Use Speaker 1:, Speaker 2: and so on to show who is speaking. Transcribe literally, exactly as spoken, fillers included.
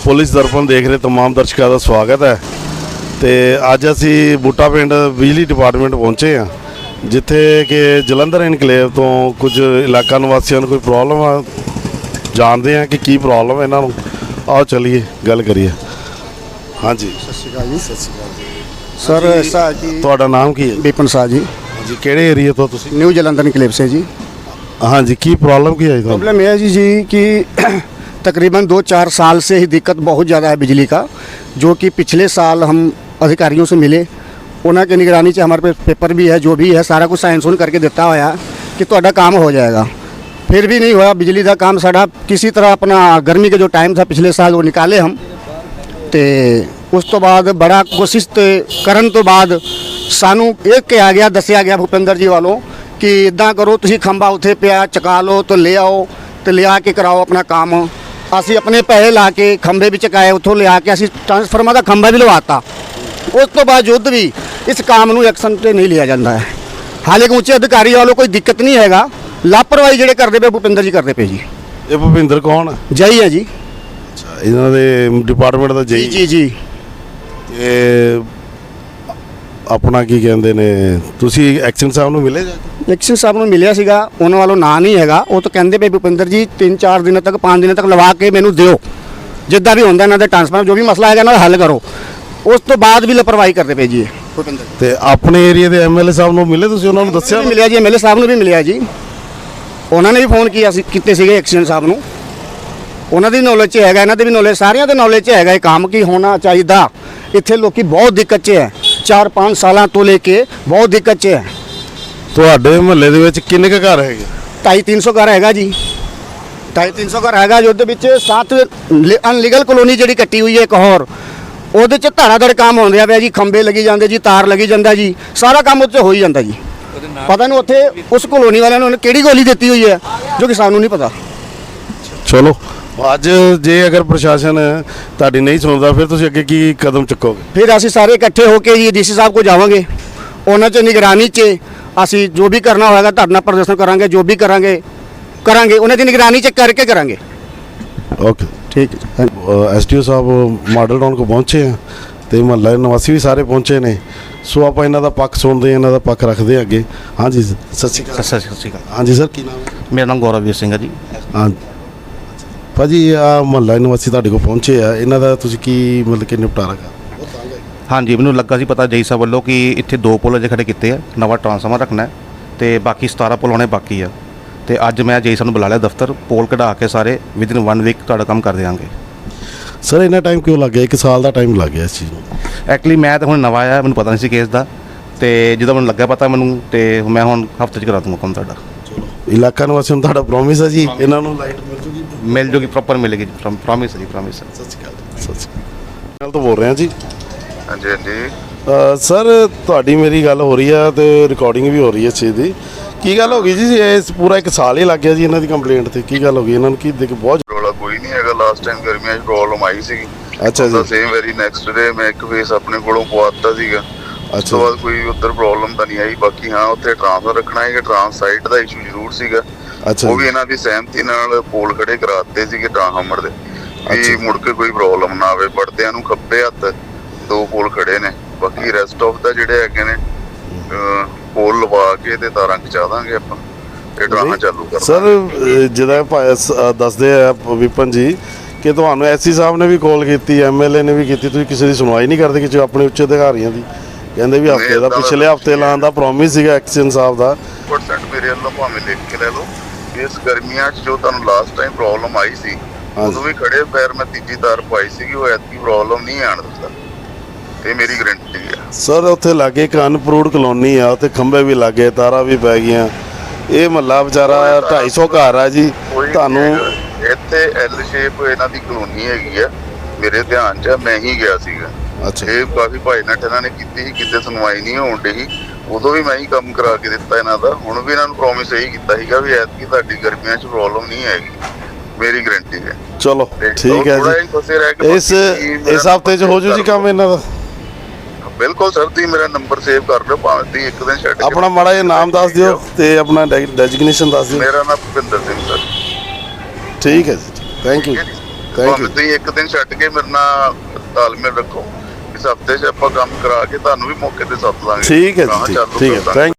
Speaker 1: Police ਦਰਪਣ ਦੇਖ ਰਹੇ तमाम ਦਰਸ਼ਕਾਂ ਦਾ ਸਵਾਗਤ ਹੈ। ਤੇ ਅੱਜ ਅਸੀਂ ਬੂਟਾ ਪਿੰਡ ਬਿਜਲੀ ਡਿਪਾਰਟਮੈਂਟ ਪਹੁੰਚੇ ਹਾਂ, ਜਿੱਥੇ ਕਿ ਜਲੰਧਰ ਇਨਕਲੇਵ ਤੋਂ ਕੁਝ ਇਲਾਕਾ ਨਿਵਾਸੀਆਂ ਨੂੰ ਕੋਈ ਪ੍ਰੋਬਲਮ ਆ। ਜਾਣਦੇ ਹਾਂ ਕਿ ਕੀ ਪ੍ਰੋਬਲਮ ਹੈ ਇਹਨਾਂ ਨੂੰ। ਆਓ ਚਲੀਏ ਗੱਲ ਕਰੀਏ। ਹਾਂਜੀ,
Speaker 2: ਸਤਿ ਸ਼੍ਰੀ ਅਕਾਲ ਜੀ।
Speaker 1: ਸਤਿ ਸ਼੍ਰੀ ਅਕਾਲ ਜੀ।
Speaker 2: ਸਰ ऐसा जी,
Speaker 1: ਤੁਹਾਡਾ ਨਾਮ ਕੀ ਹੈ?
Speaker 2: विपिन शाह जी,
Speaker 1: ਜੀ ਕਿਹੜੇ ਏਰੀਆ ਤੋਂ ਤੁਸੀਂ?
Speaker 2: न्यू जलंधर इनकलेव से जी।
Speaker 1: ਹਾਂਜੀ, ਕੀ ਪ੍ਰੋਬਲਮ ਕੀ ਹੈ ਤੁਹਾਨੂੰ?
Speaker 2: प्रॉब्लम यह है जी जी कि तकरीबन दो चार साल से ही दिक्कत बहुत ज़्यादा है बिजली का, जो कि पिछले साल हम अधिकारियों से मिले, उन्होंने की निगरानी से हमारे पे पेपर भी है, जो भी है सारा कुछ साइन सुन करके देता होया कि ਤੁਹਾਡਾ काम हो जाएगा। फिर भी नहीं हुआ बिजली का काम साढ़ा। किसी तरह अपना गर्मी का जो टाइम था पिछले साल वो निकाले हम, तो उस तो बाद बड़ा कोशिश करन तो बाद सानू एक के आ गया दसिया गया भूपेंद्र जी वालों कि इदा करो तुसी खंबा उत्थे पिया चका लो तो ले आओ, तो ले आके कराओ अपना काम। ਅਸੀਂ ਆਪਣੇ ਪੈਸੇ ਲਾ ਕੇ ਖੰਭੇ ਵੀ ਚਕਾਏ, ਉੱਥੋਂ ਲਿਆ ਕੇ ਅਸੀਂ ਟਰਾਂਸਫਾਰਮਰ ਦਾ ਖੰਭਾ ਵੀ ਲਵਾਤਾ। ਉਸ ਤੋਂ ਬਾਵਜੂਦ ਵੀ ਇਸ ਕੰਮ ਨੂੰ ਐਕਸ਼ਨ ਤੇ ਨਹੀਂ ਲਿਆ ਜਾਂਦਾ ਹੈ। ਹਾਲੇ ਕਿ ਉੱਚੇ ਅਧਿਕਾਰੀ ਵੱਲੋਂ ਕੋਈ ਦਿੱਕਤ ਨਹੀਂ ਹੈਗਾ, ਲਾਪਰਵਾਹੀ ਜਿਹੜੇ ਕਰਦੇ ਪਏ ਭੁਪਿੰਦਰ ਜੀ ਕਰਦੇ ਪਏ ਜੀ।
Speaker 1: ਇਹ ਭੁਪਿੰਦਰ ਕੌਣ ਹੈ?
Speaker 2: ਜਈ ਹੈ ਜੀ।
Speaker 1: ਅੱਛਾ, ਇਹਨਾਂ ਦੇ ਡਿਪਾਰਟਮੈਂਟ ਦਾ ਜਈ
Speaker 2: ਜੀ ਜੀ।
Speaker 1: ਇਹ ਆਪਣਾ ਕੀ ਕਹਿੰਦੇ ਨੇ, ਤੁਸੀਂ ਐਕਸ਼ਨ ਸਾਹਿਬ ਨੂੰ ਮਿਲੇ ਜਾ ਕੇ?
Speaker 2: ਐਕਸ਼ਨ ਸਾਹਿਬ ਨੂੰ ਮਿਲਿਆ ਸੀਗਾ, ਉਹਨਾਂ ਵੱਲੋਂ ਨਾਂ ਨਹੀਂ ਹੈਗਾ। ਉਹ ਤਾਂ ਕਹਿੰਦੇ ਪਏ ਭੁਪਿੰਦਰ ਜੀ ਤਿੰਨ ਚਾਰ ਦਿਨਾਂ ਤੱਕ ਪੰਜ ਦਿਨਾਂ ਤੱਕ ਲਵਾ ਕੇ ਮੈਨੂੰ ਦਿਓ, ਜਿੱਦਾਂ ਵੀ ਹੁੰਦਾ ਇਹਨਾਂ ਦੇ ਟਰਾਂਸਫਾਰਮਰ ਜੋ ਵੀ ਮਸਲਾ ਹੈਗਾ ਇਹਨਾਂ ਦਾ ਹੱਲ ਕਰੋ। ਉਸ ਤੋਂ ਬਾਅਦ ਵੀ ਲਾਪਰਵਾਹੀ ਕਰਦੇ ਪਏ ਜੀ ਭੁਪਿੰਦਰ।
Speaker 1: ਤੇ ਆਪਣੇ ਏਰੀਆ ਦੇ ਐਮਐਲਏ ਸਾਹਿਬ ਨੂੰ ਮਿਲੇ ਤੁਸੀਂ? ਉਹਨਾਂ ਨੂੰ ਦੱਸਿਆ?
Speaker 2: ਮਿਲਿਆ ਜੀ, ਐਮਐਲਏ ਸਾਹਿਬ ਨੂੰ ਵੀ ਮਿਲਿਆ ਜੀ। ਉਹਨਾਂ ਨੇ ਵੀ ਫੋਨ ਕੀਤਾ ਸੀ, ਕੀਤੇ ਸੀਗੇ ਐਕਸ਼ਨ ਸਾਹਿਬ ਨੂੰ। ਉਹਨਾਂ ਦੀ ਨੌਲੇਜ 'ਚ ਹੈਗਾ, ਇਹਨਾਂ ਦੇ ਵੀ ਨੌਲੇਜ, ਸਾਰਿਆਂ ਦੇ ਨੌਲੇਜ 'ਚ ਹੈਗਾ ਇਹ ਕੰਮ ਕੀ ਹੋਣਾ ਚਾਹੀਦਾ। ਇੱਥੇ ਲੋਕੀ ਬਹੁਤ ਦਿੱਕਤ 'ਚ ਹੈ, ਚਾਰ ਪੰਜ ਸਾਲਾਂ ਤੋਂ ਲੈ ਕੇ ਬਹੁਤ ਦਿੱਕਤ 'ਚ ਹੈ।
Speaker 1: ਤੁਹਾਡੇ ਮੁਹੱਲੇ ਦੇ ਵਿੱਚ ਕਿੰਨੇ ਕੁ ਘਰ ਹੈਗੇ?
Speaker 2: ਢਾਈ ਤਿੰਨ ਸੌ ਘਰ ਹੈਗਾ ਜੀ, ਢਾਈ ਤਿੰਨ ਸੌ ਘਰ ਹੈਗਾ ਜੀ। ਉਹਦੇ ਵਿੱਚ ਸੱਤ ਅਨਲੀਗਲ ਕਲੋਨੀ ਜਿਹੜੀ ਕੱਟੀ ਹੋਈ ਹੈ ਇੱਕ ਹੋਰ, ਉਹਦੇ 'ਚ ਧਾੜਾਧੜ ਕੰਮ ਹੋ ਰਿਹਾ ਪਿਆ ਜੀ। ਖੰਭੇ ਲੱਗੀ ਜਾਂਦੇ ਜੀ, ਤਾਰ ਲੱਗੀ ਜਾਂਦਾ ਜੀ, ਸਾਰਾ ਕੰਮ ਉੱਥੇ ਹੋ ਹੀ ਜਾਂਦਾ ਜੀ। ਪਤਾ ਨਹੀਂ ਉੱਥੇ ਉਸ ਕਲੋਨੀ ਵਾਲਿਆਂ ਨੇ ਕਿਹੜੀ ਗੋਲੀ ਦਿੱਤੀ ਹੋਈ ਹੈ ਜੋ ਕਿ ਸਾਨੂੰ ਨਹੀਂ ਪਤਾ।
Speaker 1: ਚਲੋ, ਅੱਜ ਜੇ ਅਗਰ ਪ੍ਰਸ਼ਾਸਨ ਤੁਹਾਡੀ ਨਹੀਂ ਸੁਣਦਾ ਫਿਰ ਤੁਸੀਂ ਅੱਗੇ ਕੀ ਕਦਮ ਚੁੱਕੋਗੇ?
Speaker 2: ਫਿਰ ਅਸੀਂ ਸਾਰੇ ਇਕੱਠੇ ਹੋ ਕੇ ਜੀ ਡੀਸੀ ਸਾਹਿਬ ਕੋਲ ਜਾਵਾਂਗੇ। ਉਹਨਾਂ 'ਚ ਨਿਗਰਾਨੀ 'ਚ ਅਸੀਂ ਜੋ ਵੀ ਕਰਨਾ ਹੋਏਗਾ ਧਰਨਾ ਪ੍ਰਦਰਸ਼ਨ ਕਰਾਂਗੇ, ਜੋ ਵੀ ਕਰਾਂਗੇ ਕਰਾਂਗੇ ਉਹਨਾਂ ਦੀ ਨਿਗਰਾਨੀ 'ਚ ਕਰਕੇ ਕਰਾਂਗੇ।
Speaker 1: ਓਕੇ,
Speaker 2: ਠੀਕ ਹੈ।
Speaker 1: ਐਸਟੀਓ ਸਾਹਿਬ ਮਾਡਲ ਟਾਊਨ ਕੋ ਪਹੁੰਚੇ ਆ ਤੇ ਮੁਹੱਲਾ ਨਿਵਾਸੀ ਵੀ ਸਾਰੇ ਪਹੁੰਚੇ ਨੇ, ਸੋ ਆਪਾਂ ਇਹਨਾਂ ਦਾ ਪੱਖ ਸੁਣਦੇ ਹਾਂ, ਇਹਨਾਂ ਦਾ ਪੱਖ ਰੱਖਦੇ ਹਾਂ ਅੱਗੇ। ਹਾਂਜੀ, ਸਤਿ ਸ਼੍ਰੀ ਅਕਾਲ।
Speaker 3: ਸਤਿ ਸ਼੍ਰੀ ਅਕਾਲ।
Speaker 1: ਹਾਂਜੀ ਸਰ, ਕੀ ਨਾਮ ਹੈ?
Speaker 3: ਮੇਰਾ ਨਾਮ ਗੌਰਵਵੀਰ ਸਿੰਘ ਹੈ ਜੀ।
Speaker 1: ਹਾਂ ਭਾਜੀ, ਆ ਮੁਹੱਲਾ ਨਿਵਾਸੀ ਤੁਹਾਡੇ ਕੋਲ ਪਹੁੰਚੇ ਆ, ਇਹਨਾਂ ਦਾ ਤੁਸੀਂ ਕੀ ਮਤਲਬ ਕਿ ਨਿਪਟਾਰਾ ਕਰ?
Speaker 3: ਹਾਂਜੀ, ਮੈਨੂੰ ਲੱਗਾ ਸੀ ਪਤਾ ਜਈ ਸਾਹਿਬ ਵੱਲੋਂ ਕਿ ਇੱਥੇ ਦੋ ਪੁਲ ਅਜੇ ਖੜੇ ਕੀਤੇ ਆ, ਨਵਾਂ ਟਰਾਂਸਫਾਰਮਰ ਰੱਖਣਾ ਹੈ ਤੇ ਬਾਕੀ ਸਤਾਰਾਂ ਪੁਲ ਹੋਣੇ ਬਾਕੀ ਆ। ਤੇ ਅੱਜ ਮੈਂ ਜਈ ਸਾਹਿਬ ਨੂੰ ਬੁਲਾ ਲਿਆ ਦਫ਼ਤਰ, ਪੋਲ ਕਢਾ ਕੇ ਸਾਰੇ ਵਿਦਿਨ ਵਨ ਵੀਕ ਤੁਹਾਡਾ ਕੰਮ ਕਰ ਦਿਆਂਗੇ।
Speaker 1: ਸਰ ਇੰਨਾ ਟਾਈਮ ਕਿਉਂ ਲੱਗ ਗਿਆ? ਇੱਕ ਸਾਲ ਦਾ ਟਾਈਮ ਲੱਗ ਗਿਆ ਇਸ ਚੀਜ਼ ਨੂੰ।
Speaker 3: ਐਕਚੁਅਲੀ ਮੈਂ ਤਾਂ ਹੁਣ ਨਵਾਂ ਆਇਆ, ਮੈਨੂੰ ਪਤਾ ਨਹੀਂ ਸੀ ਕੇਸ ਦਾ, ਤੇ ਜਦੋਂ ਮੈਨੂੰ ਲੱਗਾ ਪਤਾ ਮੈਨੂੰ, ਤੇ ਮੈਂ ਹੁਣ ਹਫ਼ਤੇ 'ਚ ਕਰਾ ਦੂੰਗਾ ਕੰਮ ਤੁਹਾਡਾ।
Speaker 1: ਚਲੋ, ਇਲਾਕਾ ਨਿਵਾਸੀ ਨੂੰ ਤੁਹਾਡਾ ਪ੍ਰੋਮਿਸ ਹੈ ਜੀ ਇਹਨਾਂ ਨੂੰ ਲਾਈਟ ਮਿਲ ਜੂਗੀ?
Speaker 3: ਮਿਲ ਜੂਗੀ, ਪ੍ਰੋਪਰ ਮਿਲੇਗੀ ਜੀ, ਪ੍ਰੋਮਿਸ ਹੈ ਜੀ, ਪ੍ਰੋਮਿਸ ਹੈ।
Speaker 1: ਸਤਿ ਸ਼੍ਰੀ ਅਕਾਲ। ਸਤਿ ਸ਼੍ਰੀ ਅਕਾਲ ਤੋਂ ਬੋਲ ਰਹੇ ਹਾਂ ਜੀ।
Speaker 4: ਹਾਂਜੀ ਹਾਂਜੀ
Speaker 1: ਸਰ, ਤੁਹਾਡੀ ਮੇਰੀ ਗੱਲ ਹੋ ਰਹੀ ਆ ਤੇ ਰਿਕਾਰਡਿੰਗ ਵੀ ਹੋ ਰਹੀ ਹੈ ਇਸ ਚੀਜ਼ ਦੀ। ਕੀ ਗੱਲ ਹੋ ਗਈ ਜੀ? ਇਸ ਪੂਰਾ ਇੱਕ ਸਾਲ ਹੀ ਲੱਗ ਗਿਆ ਜੀ ਇਹਨਾਂ ਦੀ ਕੰਪਲੇਂਟ ਤੇ। ਕੀ ਗੱਲ ਹੋ ਗਈ ਇਹਨਾਂ ਨੂੰ? ਕੀ ਦੇਖ ਬਹੁਤ
Speaker 4: ਰੌਲਾ ਕੋਈ ਨਹੀਂ ਹੈਗਾ। ਲਾਸਟ ਟਾਈਮ ਗਰਮੀਆਂ 'ਚ ਪ੍ਰੋਬਲਮ ਆਈ ਸੀਗੀ।
Speaker 1: ਅੱਛਾ ਜੀ।
Speaker 4: ਸੇਮ ਵੈਰੀ ਨੈਕਸਟ ਡੇ ਮੈਂ ਇੱਕ ਫੇਸ ਆਪਣੇ ਕੋਲੋਂ ਪਵਾਤਾ ਸੀਗਾ। ਉਸ ਤੋਂ ਬਾਅਦ ਕੋਈ ਉੱਧਰ ਪ੍ਰੋਬਲਮ ਤਾਂ ਨਹੀਂ ਆਈ। ਬਾਕੀ ਹਾਂ, ਉੱਥੇ ਟਰਾਂਸਫਰ ਰੱਖਣਾ ਹੈਗਾ, ਟਰਾਂਸ ਸਾਈਟ ਦਾ ਇਸ਼ੂ ਜ਼ਰੂਰ ਸੀਗਾ।
Speaker 1: ਅੱਛਾ,
Speaker 4: ਉਹ ਵੀ ਇਹਨਾਂ ਦੀ ਸਹਿਮਤੀ ਨਾਲ ਪੋਲ ਖੜੇ ਕਰਾਤੇ ਸੀਗੇ ਟਰਾਂਸਫਾਰਮਰ ਦੇ, ਵੀ ਮੁੜ ਕੇ ਕੋਈ ਪ੍ਰੋਬਲਮ ਨਾ ਆਵੇ। ਵੜਦਿਆਂ ਨੂੰ ਖੱਬੇ ਹੱਥ ਦੋ ਪੋਲ ਖੜੇ ਨੇ, ਬਾਕੀ ਰੈਸਟ ਆਫ ਦਾ ਜਿਹੜੇ ਹੈਗੇ ਨੇ ਪੋਲ ਲਵਾ ਕੇ ਤੇ ਤਾਰਾਂ ਖਿਚਾ ਦਾਂਗੇ ਆਪਾਂ, ਤੇ ਟਰਾਂਸ ਚਾਲੂ ਕਰ
Speaker 1: ਸਰ ਜਿਹਦਾ ਦੱਸਦੇ ਆ ਵਿਪਨ ਜੀ ਕਿ ਤੁਹਾਨੂੰ ਐਸਸੀ ਸਾਹਿਬ ਨੇ ਵੀ ਕਾਲ ਕੀਤੀ, ਐਮਐਲਏ ਨੇ ਵੀ ਕੀਤੀ, ਤੁਸੀਂ ਕਿਸੇ ਦੀ ਸੁਣਵਾਈ ਨਹੀਂ ਕਰਦੇ ਕਿ ਆਪਣੇ ਉੱਚ ਅਧਿਕਾਰੀਆਂ ਦੀ? ਕਹਿੰਦੇ ਵੀ ਹਫਤੇ ਦਾ, ਪਿਛਲੇ ਹਫਤੇ ਲਾਉਣ ਦਾ ਪ੍ਰੋਮਿਸ ਸੀਗਾ ਐਕਸ਼ਨ ਸਾਹਿਬ ਦਾ।
Speaker 4: ਪਰਸੈਂਟ ਮੇਰੇ ਵੱਲੋਂ ਭਾਵੇਂ ਲਿਖ ਕੇ ਲੈ ਲਓ। ਇਸ ਗਰਮੀਆਂ 'ਚ ਜੋ ਤੁਹਾਨੂੰ ਲਾਸਟ ਟਾਈਮ ਪ੍ਰੋਬਲਮ ਆਈ ਸੀ, ਉਦੋਂ ਵੀ ਖੜੇ ਪੈਰ ਮੈਂ ਤੀਜੀ ਤਾਰ ਪਾਈ ਸੀਗੀ, ਉਹ ਐਤਕੀ ਪ੍ਰੋਬਲਮ ਨਹੀਂ ਆਣ ਦਿੱਤਾ, ਇਹ ਮੇਰੀ ਗਰੰਟੀ ਹੈ।
Speaker 1: ਸਰ ਉੱਥੇ ਲਾਗੇ ਇੱਕ ਅਨਪਰੂਵਡ ਕਲੋਨੀ ਆ, ਉੱਥੇ ਖੰਭੇ ਵੀ ਲੱਗੇ, ਤਾਰਾਂ ਵੀ ਪੈ ਗਈਆਂ। ਇਹ ਮਹੱਲਾ ਵਿਚਾਰਾ ਢਾਈ ਸੌ ਘਰ ਆ ਜੀ। ਤੁਹਾਨੂੰ
Speaker 4: ਇੱਥੇ ਐਲ ਸ਼ੇਪ ਇਹਨਾਂ ਦੀ ਕਲੋਨੀ ਹੈਗੀ ਆ, ਮੇਰੇ ਧਿਆਨ 'ਚ ਮੈਂ ਹੀ ਗਿਆ ਸੀਗਾ।
Speaker 1: ਅੱਛਾ,
Speaker 4: ਇਹ ਕਾਫੀ ਭਾਈ ਨਾਲ ਇਹਨਾਂ ਨੇ ਕੀਤੀ ਸੀ, ਕਿਤੇ ਸੁਣਵਾਈ ਨਹੀਂ ਹੋਣ ਡਈ। ਉਦੋਂ ਵੀ ਮੈਂ ਹੀ ਕੰਮ ਕਰਾ ਕੇ ਦਿੱਤਾ ਇਹਨਾਂ ਦਾ। ਹੁਣ ਵੀ ਇਹਨਾਂ ਨੂੰ ਪ੍ਰੋਮਿਸ ਇਹੀ ਕੀਤਾ ਸੀਗਾ ਵੀ ਐਤਕੀ ਤੁਹਾਡੀ ਗਰਮੀਆਂ 'ਚ ਪ੍ਰੋਬਲਮ ਨਹੀਂ ਹੈਗੀ, ਮੇਰੀ ਗਰੰਟੀ ਹੈ।
Speaker 1: ਚਲੋ ਠੀਕ ਹੈ ਜੀ। ਇਸ ਇਸ ਹਫਤੇ 'ਚ ਹੋ ਜੂ ਜੀ ਕੰਮ ਇਹਨਾਂ ਦਾ?
Speaker 4: ਬਿਲਕੁਲ ਸਰ, ਤੁਸੀਂ ਮੇਰਾ ਨੰਬਰ ਸੇਵ ਕਰ ਲਓ, ਭਾਵੇਂ ਤੁਸੀਂ ਇੱਕ ਦਿਨ ਛੱਡ।
Speaker 1: ਆਪਣਾ ਮਾੜਾ ਜਿਹਾ ਨਾਮ ਦੱਸ ਦਿਓ ਤੇ ਆਪਣਾ ਡੈਜ਼ਿਗਨੇਸ਼ਨ ਦੱਸ ਦਿਓ।
Speaker 4: ਮੇਰਾ ਨਾਮ ਭੁਪਿੰਦਰ ਸਿੰਘ ਸਰ।
Speaker 1: ਠੀਕ ਹੈ ਜੀ, ਥੈਂਕ ਯੂ। ਥੈਂਕ
Speaker 4: ਭਾਵੇਂ
Speaker 1: ਯੂ
Speaker 4: ਤੁਸੀਂ ਇੱਕ ਦਿਨ ਛੱਡ ਕੇ ਮੇਰੇ ਨਾਲ ਤਾਲਮੇਲ ਰੱਖੋ, ਇਸ ਹਫਤੇ 'ਚ ਆਪਾਂ ਕੰਮ ਕਰਾ ਕੇ ਤੁਹਾਨੂੰ ਵੀ ਮੌਕੇ ਤੇ ਸੱਦ ਲਾਂਗੇ।
Speaker 1: ਠੀਕ ਹੈ
Speaker 4: ਗਾਹਾਂ
Speaker 1: ਜੀ
Speaker 4: ਚਾਲੂ
Speaker 1: ਠੀਕ ਹੈ
Speaker 4: ਕਰ ਦਾਂਗੇ।
Speaker 1: ਥੈਂਕ